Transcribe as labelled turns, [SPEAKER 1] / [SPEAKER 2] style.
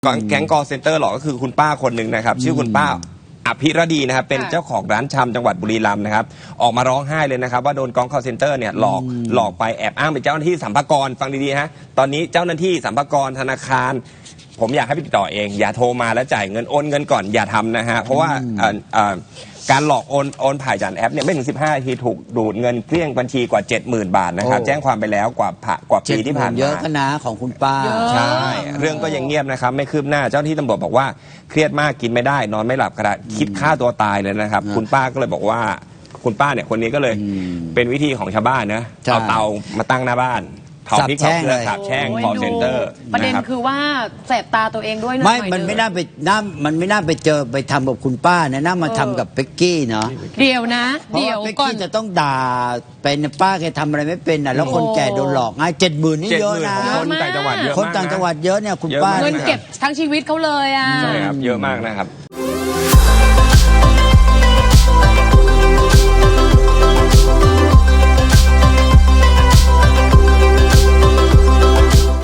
[SPEAKER 1] แก๊งคอลเซ็นเตอร์หลอกก็คือคุณป้าคนหนึ่งนะครับชื่อคุณป้าอภิรดีนะครับเป็นเจ้าของร้านชำจังหวัดบุรีรัมย์นะครับออกมาร้องไห้เลยนะครับว่าโดนแก๊งคอลเซ็นเตอร์เนี่ยหลอกไปแอบอ้างเป็นเจ้าหน้าที่สรรพากรฟังดีๆฮะตอนนี้เจ้าหน้าที่สรรพากรธนาคารผมอยากให้ไปติดต่อเองอย่าโทรมาแล้วจ่ายเงินโอนเงินก่อนอย่าทำนะฮะเพราะว่าการหลอกโอนผ่านจากแอปเนี่ยไม่ถึง15 นาทีถูกดูดเงินเกลี้ยงบัญชีกว่า 70,000 บาทนะครับแจ้งความไปแล้วกว่าปีที่ผ่านมา
[SPEAKER 2] เยอะก็นะของคุณป้า
[SPEAKER 1] ใช่เรื่องก็ยังเงียบนะครับไม่คืบหน้าเจ้าหน้าที่ตำรวจบอกว่าเครียดมากกินไม่ได้นอนไม่หลับกระคิดฆ่าตัวตายเลยนะครับคุณป้าก็เลยบอกว่าคุณป้าเนี่ยคนนี้ก็เลยเป็นวิธีของชาวบ้านนะเอาเตามาตั้งหน้าบ้านเผาพริกเผาเกลือสาบแช่งคอลเซ็นเตอร์
[SPEAKER 3] ประเด็นคือว่าแสบตาตัวเองด้วย
[SPEAKER 2] มันไม่น่าไปเจอไปทำกับคุณป้านะน่ามาทำกับเป๊กกี้เนาะ
[SPEAKER 3] เดี๋ยวนะ
[SPEAKER 2] เดี๋ยวเป๊กกี้จะต้องด่าเป็นป้าแกทำอะไรไม่เป็นแล้วคนแก่โดนหลอกง่าย70,000นี่เยอะนะ
[SPEAKER 1] คนต่างจังหวัดเยอะ
[SPEAKER 2] คนต่างจังหวัดเยอะเนี่ยคุณป้า
[SPEAKER 3] เงินเก็บทั้งชีวิตเขาเลยอ่ะ
[SPEAKER 1] ใช่ครับเยอะมากนะครับ